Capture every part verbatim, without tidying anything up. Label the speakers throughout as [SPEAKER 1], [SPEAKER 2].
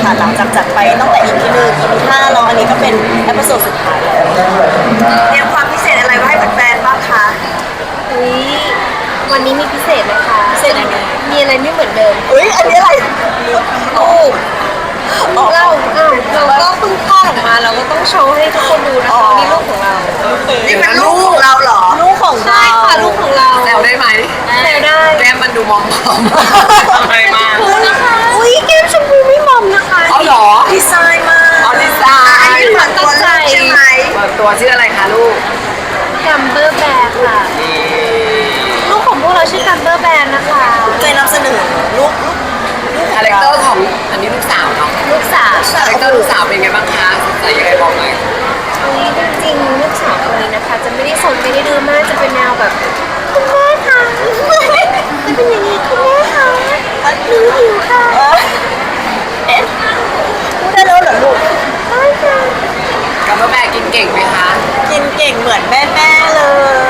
[SPEAKER 1] ค่ะหลังจากจัดไปตั้งแต่ อี พี หนึ่ง อี พี ห้าแล้วอันนี้ก็เป็นเอพิโซดสุดท้ายแล้ว
[SPEAKER 2] เตรียมความพิเศษอะไรไว้ให้แฟนๆบ้างคะ
[SPEAKER 3] อุ้ยวันนี้มีพิเศษนะคะ
[SPEAKER 1] พิเศษยังไง
[SPEAKER 3] มีอะไรไม่เหมือนเดิม
[SPEAKER 1] อุ้ยอันนี้อะไร
[SPEAKER 3] ลูกเราอ้าวเราก็เพิ่งคลอดออกมาเราก็ต้องโชว์ให้ทุกคนดูนะคะนี่ลูกของเรา
[SPEAKER 2] นี่เป็นลูกของเราเหรอ
[SPEAKER 1] ลูกของ
[SPEAKER 3] ใช่
[SPEAKER 1] เรา
[SPEAKER 3] ค่ะลูกของเรา
[SPEAKER 4] แซวได้ไหม
[SPEAKER 3] แซวได้
[SPEAKER 4] แก้มมันดูมอมๆทำไมมา
[SPEAKER 3] อุ้ยแก้มชมพูไม่มอมนะคะ
[SPEAKER 4] เอาเหรอ
[SPEAKER 1] ดีไซน์มาก
[SPEAKER 4] เอาดีไซ
[SPEAKER 2] อัน
[SPEAKER 4] น์
[SPEAKER 2] นี้เปิดตัวลูกใช่ไหม
[SPEAKER 4] เปิดตัวชื่ออะไรคะลูก
[SPEAKER 3] กัมเบอร์แบร์ค่ะ
[SPEAKER 4] นี่
[SPEAKER 3] ลูกของพวกเราชื่อกัมเบอร์แบร์นะคะ
[SPEAKER 1] เคยนำเสนอลูกลูก
[SPEAKER 4] คาแรคเตอร์ของอันนี้ลูกสาวเนาะ
[SPEAKER 3] ลูกสาว
[SPEAKER 4] คาแรคเตอร์ลูกสาวเป็นไงบ้างคะสนใจยังไงบอกหน่อย
[SPEAKER 3] อุ้ยจริงๆลูกสาวคนนี้นะคะ จะไม่ได้สนไม่ได้ดื้อมากจะเป็นแนวแบบคุณแม่ค่ะจะเป็นอย่างนี้คุณแม่ค่ะหนูหิวค่ะ
[SPEAKER 1] เอ๊ะพูดได้แล้วเหรอลูก
[SPEAKER 3] ใช่ค่ะ
[SPEAKER 4] กัมเบอร์แบร์กินเก่งไหมคะ
[SPEAKER 1] กินเก่งเหมือนแม่แม่ๆเลย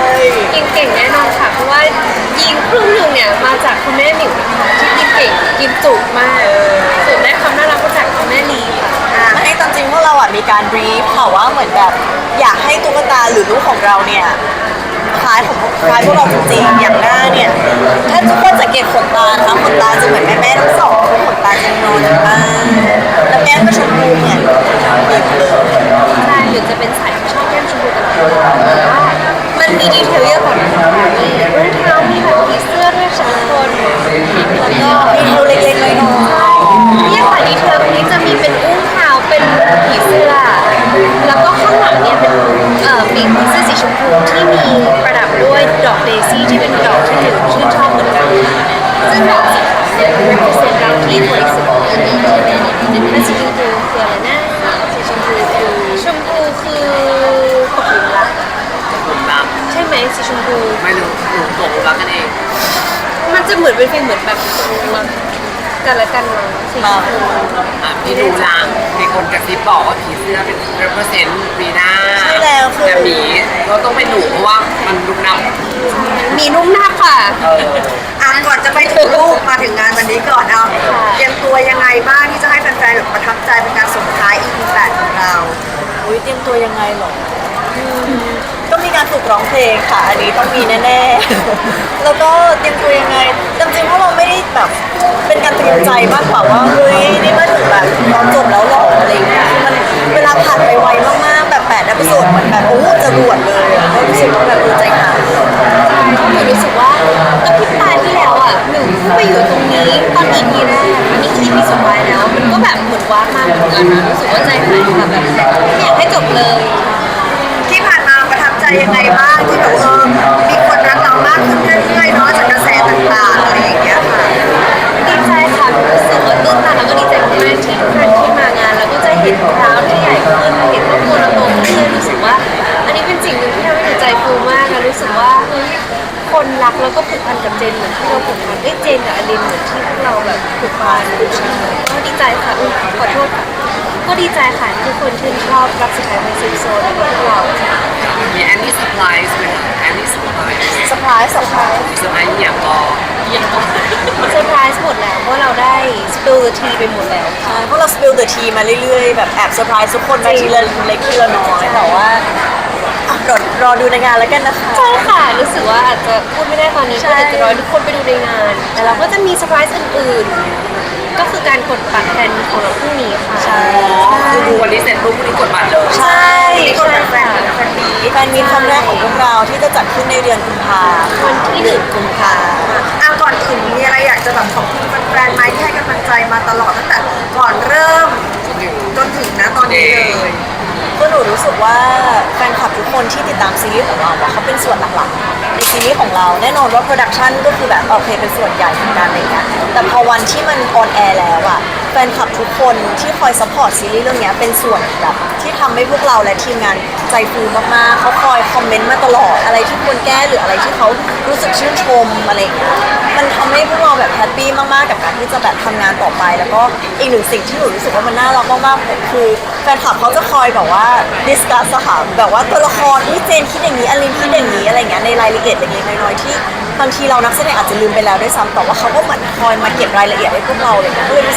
[SPEAKER 3] กินเก่งแน่นอนค่ะ เพราะว่ายิงครึ่งหนึ่งเนี่ยมาจากคุณแม่หมิวนะคะที่กินเก่งกินจุมากส่วนได้ความน่ารักมาจากคุณแม่ลีค่ะ
[SPEAKER 1] อ่าให้ตามจริงพวกเราอ่ะมีการบรีฟค่ะว่าเหมือนแบบอยากให้ตุ๊กตาหรือลูกของเราเนี่ยคล้ายของคล้ายพวกเราจริงๆอย่างหน้าเนี่ยถ้าทุกคนสังเกตขนตานะคะขนตาจะเหมือนแม่แม่ๆทั้งสองขนตาจะนอนมากแล้วแก้มก็ชมพูเนี่ยมีเลย
[SPEAKER 3] ใช่หรือจะเป็นสายที่ชอบแก้มชมพูกันแต่ว่ามันมีดีเทลเยอะกว่านั้นมีรองเท้ามีแบบผีเสื้อด้วยสองคนแล้วก็
[SPEAKER 1] มีเทลเล็กๆน้อย
[SPEAKER 3] เนี่ยค่ะดีเทลตรงนี้จะมีเป็นอุ้งเท้าเป็นผีเสื้อ แล้วก็ข้างหลังเนี่ยเป็นเอ่อปีกผีเสื้อสีชมพูที่มีประดับด้วยดอกเดซี่ที่เป็นดอกที่หนูชื่นชอบเหมือนกันซึ่งดอกสีขาวเนี่ย represent เราที่บริสุทธิ์และสีชมพูคืออะไรนะสีชมพูคือชมพูคือตกหลุมรัก
[SPEAKER 4] ผมรัก
[SPEAKER 3] ใช่ไหมสีชมพู
[SPEAKER 4] ไม่รู้หนูตกหลุมรักกันเอง
[SPEAKER 3] มันจะเหมือนเป็นฟีลเหมือนแบบรักกันและกันมาสีชมพู
[SPEAKER 4] อ่ะพี่ดูลางมีคนกระซิบบอกว่าผีเสื้อเป็น represent ปีหน้า
[SPEAKER 1] ๆใช่แล้วคือ
[SPEAKER 4] แต่หมีก็ต้องเป็นหนูเพราะว่ามันลุกน้ำ
[SPEAKER 3] มีนุ่มหน้าค่ะ
[SPEAKER 4] เออ
[SPEAKER 2] อ่ะก่อนจะไปถึงลูกมาถึงงานวันนี้ก่อนเอาเตรียมตัวยังไงบ้างที่จะให้แฟนๆแบบประทับใจเป็นการส่งท้าย อี พี แปดของเรา
[SPEAKER 1] อุ้ยเตรียมตัวยังไงหรออืมก็มีการฝึกร้องเพลงค่ะ อันนี้ต้องมีแน่ๆ แล้วก็เตรียมตัวยังไงจริงๆเพราะเราไม่ได้แบบเป็นการเตรียมใจมากกว่าว่าเฮ้ยนี่มาถึงแบบตอนจบแล้วหรออะไรอย่างเงี้ยคือมันเวลาผ่านไปไวมากๆแบบแปดเอพิโซดเหมือนแบบโอ้จะรวดเลยอะก็รู้สึกว่าแบบเออใจหาย
[SPEAKER 3] ใช่เพราะหนูรู้สึกว่าตอนพริบตาที่แล้วอ่ะหนูเพิ่งไปอยู่ตรงนี้ตอน อี พี แรกอันนี้คือ อี พี สุดท้ายแล้ว มันก็แบบเหมือนว้ามากเหมือนกันนะรู้สึกว่าใจหายค่ะแบบไม่อยากให้จบเลย
[SPEAKER 2] ที่ผ่านมาประทับใจยังไงบ้างที่แบบเออมีคนรักเรามากขึ้นเรื่อยๆเนาะจากกระแสต่างๆอะไรอย่างเงี้ยค่ะ
[SPEAKER 3] ดีใจค่ะรู้สึกว่าตื่นตันแล้วก็ดีใจมากๆที่ทุกท่านที่มางาน แล้วก็จะเห็นคราวที่ใหญ่ขึ้นเห็นครอบครัวเราโตขึ้นเรื่อยๆรู้สึกว่า อันนี้เป็นสิ่งหนึ่งที่ทำให้หนูใจฟูมากนะรู้สึกว่าเฮ้ยคนรักแล้วก็ผูกพันกับเจนเหมือนที่เราผูกพันเอ้ยเจนกับอลินเหมือนที่พวกเราแบบผูกพันก็ดีใจค่ะอุ๊ยขอโทษค่ะก็ดีใจค่ะที่ทุกคนชื่นชอบรักสุดท้ายเป็นซิมโซนของพวกเราค่ะ
[SPEAKER 4] มีแอนนี่เซอร์ไพรส์ไหมคะแอนนี่เซอร์ไพรส์
[SPEAKER 1] เซอร์ไพรส์เซอร์ไพรส์
[SPEAKER 4] มีเซอร์ไพรส์อย่างก็
[SPEAKER 3] เซอร์ไพรส์หมดแล้วเพราะเราได้สปิลทีไปหมดแล้ว
[SPEAKER 1] ใช่เพราะเรา spill the tea มาเรื่อยๆ แบบแอบเซอร์ไพรส์ทุกคนมาทีละเล็กทีละน้อยแต่ว่าอ่ะรอรอดูในงานแล้วกันนะคะ
[SPEAKER 3] ใช่ค่ะรู้สึกว่าอาจจะพูดไม่ได้ตอนนี้ก็เดี๋ยวจะรอให้ทุกคนไปดูในงาน แต่เราก็จะมีเซอร์ไพรส์อื่นๆ ก็คือการกดบัตรแทนของเราพรุ่งนี้ค่ะ
[SPEAKER 1] ใช่
[SPEAKER 4] คือดูวันนี้เสร็จปุ๊บวันนี้กดบัตรเลย
[SPEAKER 1] ใช่
[SPEAKER 2] นี่คนเป็นแฟนเป็นแฟนมี
[SPEAKER 1] แฟนมีตครั้งแรกของพวกเราที่จะจัดขึ้นในเดือนกุมภา
[SPEAKER 3] วันที่หนึ่ง
[SPEAKER 1] กุมภา
[SPEAKER 2] อ่ะก่อนอื่นมีอะไรอยากจะแบบขอบคุณแฟนๆไหมที่ให้กำลังใจมาตลอดตั้งแต่ก่อนเริ่มจนถึงนะตอนนี้เลย
[SPEAKER 1] ก็หนูรู้สึกว่าแฟนคลับทุกคนที่ติดตามซีรีส์ของเราอะเขาเป็นส่วนหลักๆในซีรีส์ของเราแน่นอนว่าโปรดักชันก็คือแบบโอเคเป็นส่วนใหญ่ของการอะไรเงี้ยแต่พอวันที่มันออนแอร์แล้วอะแฟนคลับทุกคนที่คอยซัพพอร์ตซีรีส์เรื่องนี้เป็นส่วนแบบที่ทำให้พวกเราและทีมงานใจฟูมากๆเขาคอยคอมเมนต์มาตลอดอะไรที่ควรแก้หรืออะไรที่เขารู้สึกชื่นชมอะไรเงี้ยมันทำให้พวกเราแบบแฮปปี้มากๆกับการที่จะแบบทำงานต่อไปแล้วก็อีกหนึ่งสิ่งที่หนูรู้สึกว่ามันน่ารักมากๆคือแฟนคลับเขาจะคอยแบบว่าดิสคัสอะค่ะแบบว่าตัวละครนี่เจนคิดอย่างนี้อลินคิดอย่างนี้อะไรเงี้ยในรายละเอียดเล็กๆน้อยๆที่บางทีเรานักแสดงอาจจะลืมไปแล้วด้วยซ้ำแต่ว่าเขาก็เหมือนคอยมาเก็บรายละเอียดให้พวกเราเลยนะก็เลยรู้สึกว่า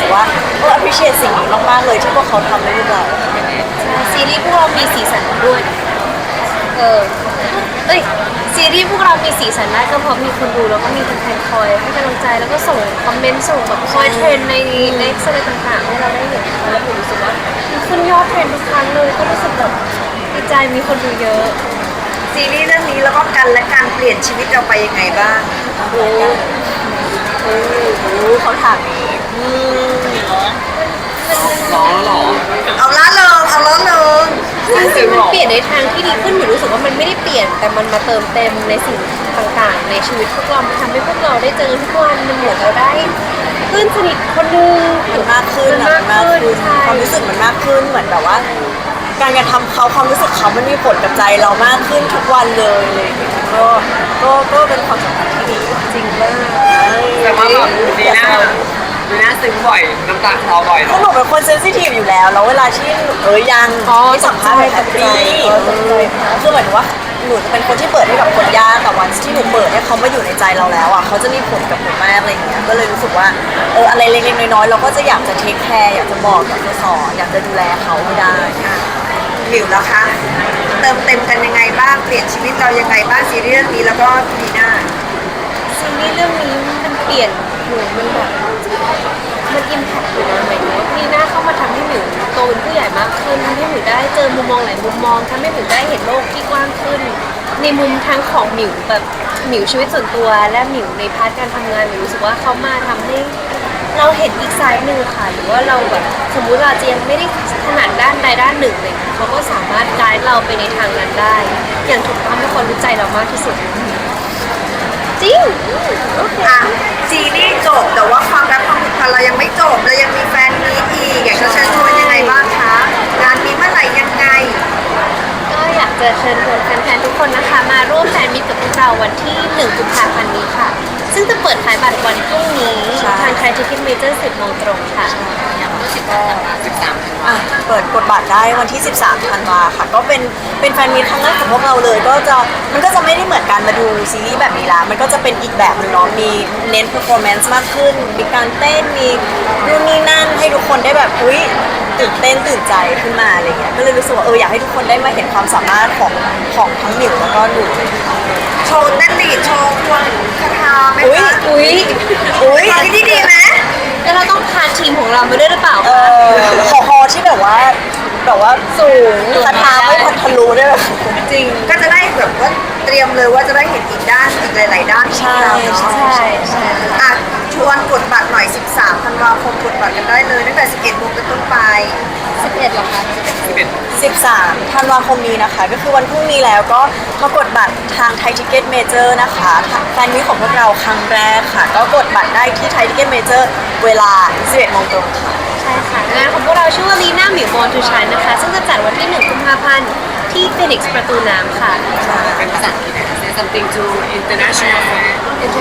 [SPEAKER 1] ก็ appreciate สิ่งนี้มากๆเลยที่พวกเขาทำให้พวกเรา
[SPEAKER 3] ซีรีส์พวกเรามีสีสันด้วย เออ เอ้ย ซีรีส์พวกเรามีสีสันได้ก็เพราะมีคนดูแล้วก็มีแฟนๆคอยให้กำลังใจแล้วก็ส่งคอมเมนต์ส่งแบบคอยเทรนในในอะไรต่างๆให้เราได้เห็นนะคะแล้วผมรู้สึกว่ามันขึ้นยอดเทรนทุกครั้งเลยก็รู้สึกแบบดีใจมีคนดูเยอะ
[SPEAKER 2] ซีรีส์เรื่องนี้แล้วก็กันและการเปลี่ยนชีวิตเราไปยังไงบ้าง
[SPEAKER 1] โอ้โหเขาถามนี้อืม
[SPEAKER 4] ร้องหรอ
[SPEAKER 2] เอาละเริงเอาละเริง
[SPEAKER 3] จริงๆมันเปลี่ยนในทางที่ดีขึ้นหนูรู้สึกว่ามันไม่ได้เปลี่ยนแต่มันมาเติมเต็มในสิ่งต่างๆ ในชีวิตพวกเรามันทำให้พวกเราได้เจอทุกวันมันเหมือนเราได้เพื่อนสนิทคนหนึง
[SPEAKER 1] มันมากขึ้น
[SPEAKER 3] มัน
[SPEAKER 1] อะ
[SPEAKER 3] มาก
[SPEAKER 1] มันมาก
[SPEAKER 3] ขึ้น
[SPEAKER 1] ขึ้น
[SPEAKER 3] ใช่
[SPEAKER 1] ความรู้สึกมันมากขึ้นเหมือนแบบว่า การกระทำเขาความรู้สึกเขามันมีผลกับใจเรามากขึ้นทุกวันเลยอะไรอย่างเลยก็ก็ก็เป็นความสัมพันธ์ที่ดี
[SPEAKER 3] จริงมาก
[SPEAKER 4] แต่ว่าแบบดีน่าดีน่าซึ้งบ่อยน้ำตาคลอบ่อยเหร
[SPEAKER 1] คือ
[SPEAKER 4] อ
[SPEAKER 1] หนูเป็นคนเซนซิทีฟอยู่แล้วแล้วเวลาที่เออยังที่สัมภาษณ์แบบแฮปปี้คือหมายถึงว่าหนูจะเป็นคนที่เปิดให้กับคนยากแต่วันที่หนูเปิดให้เขามาอยู่ในใจเราแล้วอ่ะเขาจะมีผลกับหนูมากอะไรอย่างเงี้ยก็เลยรู้สึกว่าเอออะไรเล็กๆน้อยๆเราก็จะอยากจะเทคแคร์อยากจะบอกอยากจะสอนอยากจะดูแลเขาให้ได้
[SPEAKER 2] หมิวแล้วคะเติมเต็มกันยังไงบ้างเปลี่ยนชีวิตเรายังไงบ้างซีรีส์เรื่องนี้แล้วก็พีน่า
[SPEAKER 3] ซีรีส์เรื่องนี้มันเปลี่ยนหนูมันแบบมันอิมแพคอยู่นะหมายถึงว่าพี่หน้าเข้ามาทำให้หมิวโตเป็นผู้ใหญ่มากขึ้นทำให้หมิวได้เจอมุมมองหลายมุมมองทำให้หมิวได้เห็นโลกที่กว้างขึ้น ในมุมทั้งของหมิวแบบหมิวชีวิตส่วนตัว และหมิวในพาร์ทการทำงานหมิวรู้สึกว่าเขามาทำให้เราเห็นอีกไซด์หนึ่งค่ะหรือว่าเราแบบสมมุติเราจะยังไม่ได้ถนัดด้านใดด้านหนึ่งเลยเขาก็สามารถไกด์เราไปในทางนั้นได้ อย่างถูกต้องให้คนรู้ใจเรามากที่สุด จริงโอเค
[SPEAKER 2] อ่ะซีรีส์จบแต่ว่าความรักความผูกพันเรายังไม่จบเรายังมีแฟนมีตอีกอยากจะเชิญชวนยังไงบ้างคะงานมีเมื่อไหร่ยังไง
[SPEAKER 3] ก็อยากจะเชิญชวนแฟนๆทุกคนนะคะ มาร่วมแฟนมิตรกับพวกเราวันที่หนึ่งกุมภาพันธ์นี้ค่ะ ซึ่งจะเปิดขายบัตรวันพรุ่งนี้
[SPEAKER 1] ใช่
[SPEAKER 3] ทางไทยทิเก็ตเมเจอร์สิบโมงตรงค่ะ
[SPEAKER 1] ก็
[SPEAKER 4] สิบสามธันวา
[SPEAKER 1] อ่ะเปิดกดบัตรได้วันที่ สิบสามธันวาค่ะ ก็เป็นเป็นแฟนมีตครั้งแรกของพวกเราเลย ก็จะมันก็จะไม่ได้เหมือนการมาดูซีรีส์แบบนี้ละมันก็จะเป็นอีกแบบหนึงเนาะมีเน้น performance มากขึ้น มีการเต้นมีนู่นนี่นั่นให้ทุกคนได้แบบอุ้ยตื่นเต้นตื่นใจขึ้นมาอะไรเงี้ยก็เลยรู้สึกว่าเอออยากให้ทุกคนได้มาเห็นความสามารถของของทั้งหมิวแล้วก็หนู
[SPEAKER 2] โชว์เต้นดีดโชว์ควงคาถาไหม
[SPEAKER 1] อุ้ย
[SPEAKER 2] คะ
[SPEAKER 3] อุ้ย
[SPEAKER 1] อุ้ย
[SPEAKER 2] ตอนที่ดีไหม
[SPEAKER 3] แล้วเราต้องพาทีมของเรามาด้วยหรือเปล่า
[SPEAKER 1] เออขอคอที่แบบว่าแบบว่าสูงคาถาไม่พันทะลุด้วยแบบ
[SPEAKER 3] จริง
[SPEAKER 2] ก็จะได้แบบว่าเตรียมเลยว่าจะได้เห็นอีกด้านอีกหลาย ๆ ด้านของ
[SPEAKER 1] ใช่
[SPEAKER 2] เราเนาะ
[SPEAKER 1] ใช่
[SPEAKER 3] ใช่ใช่
[SPEAKER 2] อ่ะชวนกดบัตรหน่อย สิบสามธันวาคมกดบัตรกันได้เลยตั้งแต่ สิบเอ็ดโมงเป็นต้นไป
[SPEAKER 3] สิบเอ็ดเหรอคะ
[SPEAKER 4] สิบเอ็ด
[SPEAKER 1] สิบสามธันวาคมนี้นะคะ ก็คือวันพรุ่งนี้แล้วก็มากดบัตรทางไทยทิเก็ตเมเจอร์นะคะแฟนมิตรของพวกเราครั้งแรกค่ะ ก็กดบัตรได้ที่ไทยทิเก็ตเมเจอร์เวลา สิบเอ็ดโมงตรงค่ะ
[SPEAKER 3] ใช่ค่ะงานของพวกเราชื่อว่าลีน่าหมิวบอลทูชันนะคะ ซึ่งจะจัดวันที่หนึ่งกุมภาพันธ์ที่ฟินิกซ์ประตูน้ำค่ะ
[SPEAKER 4] เป็นภาษาอังกฤษนะคะ Say something to international fan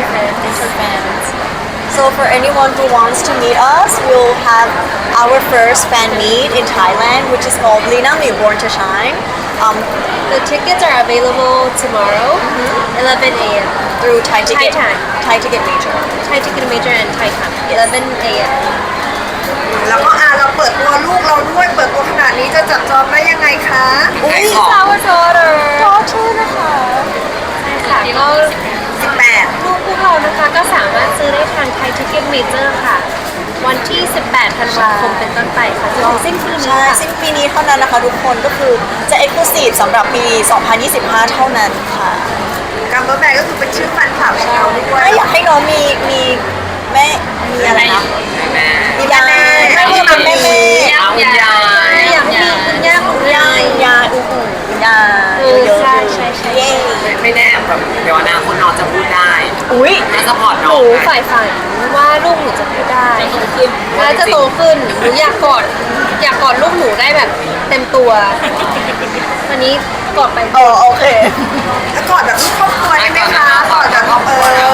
[SPEAKER 1] Interfans. So for anyone who wants to meet us, we'll have our first fan meet in Thailand, which is called Lina Mi Born to Shine, um,
[SPEAKER 3] The tickets are available tomorrow, eleven a m
[SPEAKER 1] through Thai Ticket,
[SPEAKER 3] Thai Time.
[SPEAKER 1] Thai Ticket Major.
[SPEAKER 3] Thai Ticket Major and Thai Time, eleven a m
[SPEAKER 2] แล้วก็อ่ะเราเปิดตัวลูกเราด้วยเปิดตัวขนาดนี้จะจับจองได้ยังไงคะ
[SPEAKER 1] อุ้ย
[SPEAKER 4] ขอบ
[SPEAKER 3] Our daughter
[SPEAKER 1] ขอชื่อนะคะ
[SPEAKER 3] ใช่ค่ะก็
[SPEAKER 2] สิบแปด
[SPEAKER 3] ลูกพวกเรานะคะก็สามารถซื้อได้ทาง Thai Ticket Major ค่ะ วันที่ สิบแปดธันวาคมเป็นต้นไปค่ะจนถึงสิ้นปีนี้
[SPEAKER 1] ใช่
[SPEAKER 3] ค่ะ
[SPEAKER 1] สิ้นปีนี้เท่านั้นนะคะทุกคนก็คือจะ exclusive สำหรับปี สองพันยี่สิบห้า เท่านั้นค่ะ
[SPEAKER 2] กัมเบอร์แบกก็คือเป็นชื่อแฟนคลับของเราด้วย
[SPEAKER 1] ไม่อยากให้น้องมีมีแม่มีอะไรนะ
[SPEAKER 4] แม่
[SPEAKER 1] มีแม่แม่
[SPEAKER 2] ไม่
[SPEAKER 1] มี
[SPEAKER 2] มี
[SPEAKER 1] แม่แม่
[SPEAKER 4] เอาคุณยาย
[SPEAKER 3] อยากมีคุณย่าคุณ
[SPEAKER 1] ยาย
[SPEAKER 3] าย
[SPEAKER 1] ยายอู้หูยาย
[SPEAKER 3] เออ
[SPEAKER 1] เยอะๆ
[SPEAKER 3] ใช่ใช่ใช่
[SPEAKER 1] เย้
[SPEAKER 4] ไม่ไม่แน่แบบเดี๋ยวอนาคตน้องจะพูดได้
[SPEAKER 1] อุ้ย
[SPEAKER 4] น่าสปอร์ต
[SPEAKER 3] ห
[SPEAKER 4] น้อ
[SPEAKER 3] นู
[SPEAKER 4] ง
[SPEAKER 3] ฝ่ายฝันว่าลูกหนูจะพูดได้แล้วจะโตขึ้นหนูอยากกอดอยากกอดลูกหนูได้แบบเต็มตัววันนี้กอดไป
[SPEAKER 1] อ๋อโอเค
[SPEAKER 2] แล้วกอดแบบลูกครอบครัวได้ไหมคะกอดแบบเออ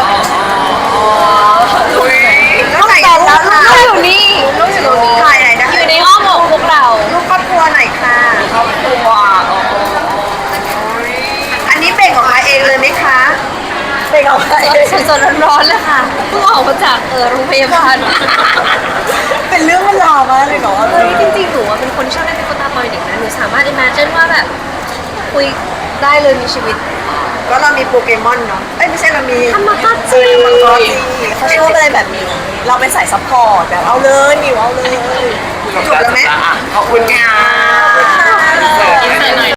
[SPEAKER 4] อุ้ย
[SPEAKER 2] แล้วไหนลูกล่ะ
[SPEAKER 3] ลูกอยู่นี่ลูกอยู่ตรงนี้
[SPEAKER 2] ถ่ายไหนนะ
[SPEAKER 3] อยู่ในอ้อมอกพวกเรา
[SPEAKER 2] ลูกครอบครัวไหนค่ะ
[SPEAKER 4] ครอบครัวโอ้โห
[SPEAKER 2] อันนี้เบ่งออกมาเองเลยไหมคะ
[SPEAKER 1] เเพลงเอาไป
[SPEAKER 3] สดๆร้อนๆเลยค่ะเพิ่งออกมาจากเออโรงพยาบาล
[SPEAKER 1] เป็นเรื่องเป็นราวมากเลยเนาะ
[SPEAKER 3] เฮ้ยจริงๆหนูอะเป็นคนชอบเล่นตุ๊กตาตอนเด็กนะหนูสามารถ imagine ว่าแบบคุยได้เลยมีชีวิต
[SPEAKER 2] ก็เรามีโปเกมอนเนาะเอ้ยไม่ใช่เรามี
[SPEAKER 3] ทำมากาจิ
[SPEAKER 2] มังกรจี
[SPEAKER 1] เขาชอบอะไรแบบนี้ เราเป็นสายซัพพอร์ตแบบเอาเลยมิวเอาเลย
[SPEAKER 2] จบแล้วไหม
[SPEAKER 4] ขอบคุณค่ะ
[SPEAKER 2] ขอบคุณค่ะ
[SPEAKER 4] เสิร์ฟ